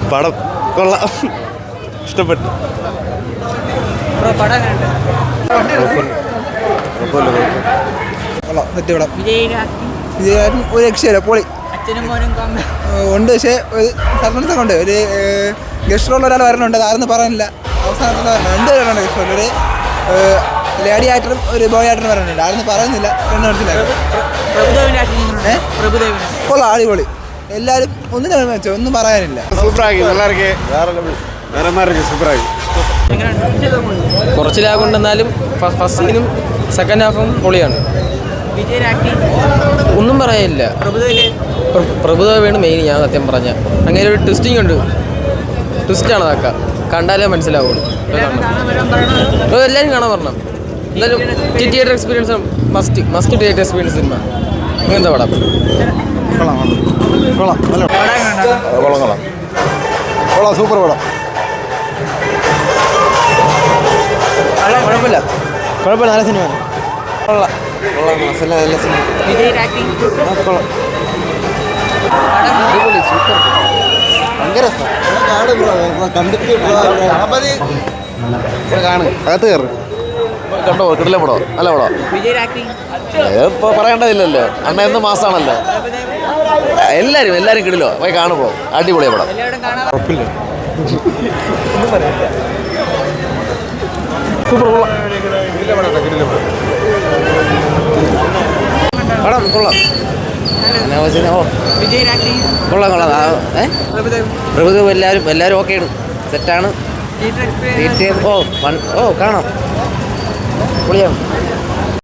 പടം കൊള്ളാം, ഇഷ്ടപ്പെട്ടു. വിജയകാരൻ ഒരു രക്ഷയില്ല, പൊളി ഉണ്ട്. പക്ഷേ ഒരു സർപ്പൻസ് ഒക്കെ ഉണ്ട്. ഒരു ഗസ്റ്റ് റോളിൽ ഒരാൾ വരണുണ്ട്, അതാരെന്ന് പറയാനില്ല. അവസാനത്തിൽ രണ്ട് പേരുണ്ട് ഗസ്റ്റ് റോളിൽ. ഒരു ലേഡി ആക്ടറും ഒരു ബോയ് ആക്ടറും വരണുണ്ട്, ആരെന്ന് പറയുന്നില്ല. രണ്ട് മനസ്സിലായി. കൊള്ളാം, അടിപൊളി. എല്ലാവരും ഒന്നിനും വെച്ചോ, ഒന്നും പറയാനില്ല. സൂപ്പറാക്കി, സൂപ്പറാക്കി. കുറച്ച് ലാഗ് ഉണ്ടെന്നാലും ഫസ്റ്റ് സീനും സെക്കൻഡ് ഹാഫും പൊളിയാണ്. ഒന്നും പറയാനില്ല. പ്രഭുദേവയാണ് മെയിൻ. ഞാൻ സത്യം പറഞ്ഞ അങ്ങനെ ഒരു ട്വിസ്റ്റിംഗ് ഉണ്ട്. ട്വിസ്റ്റാണ് അതൊക്കെ, കണ്ടാലേ മനസ്സിലാവുള്ളൂ. എല്ലാവരും കാണാൻ പറഞ്ഞു. എന്തായാലും theatre experience must theatre experience cinema. ഇങ്ങനത്തെ പടം കൊള്ളാം, സൂപ്പർ പടം. കുഴപ്പമില്ല, നല്ല സിനിമ. കൊള്ളാം, നല്ല സിനിമ. കൊള്ളാം, അടിപൊളി, സൂപ്പർ, ഭയങ്കര അകത്ത് കയറി കണ്ടോ, കിടില പടം, നല്ല പടം. ഇപ്പോൾ പറയേണ്ടതില്ലല്ലോ, അണ്ണ എന്ന മാസമാണല്ലോ. എല്ലാവരും കിടിലോ, പോയി കാണുമ്പോൾ അടിപൊളിയ പടം. കുഴപ്പമില്ല, സൂപ്പർ, പടം കൊള്ളാം. പ്രഭുദേവ് എല്ലാവരും ഓക്കെയാണ്, സെറ്റാണ്. കാണാം, പൊളിയാണ്.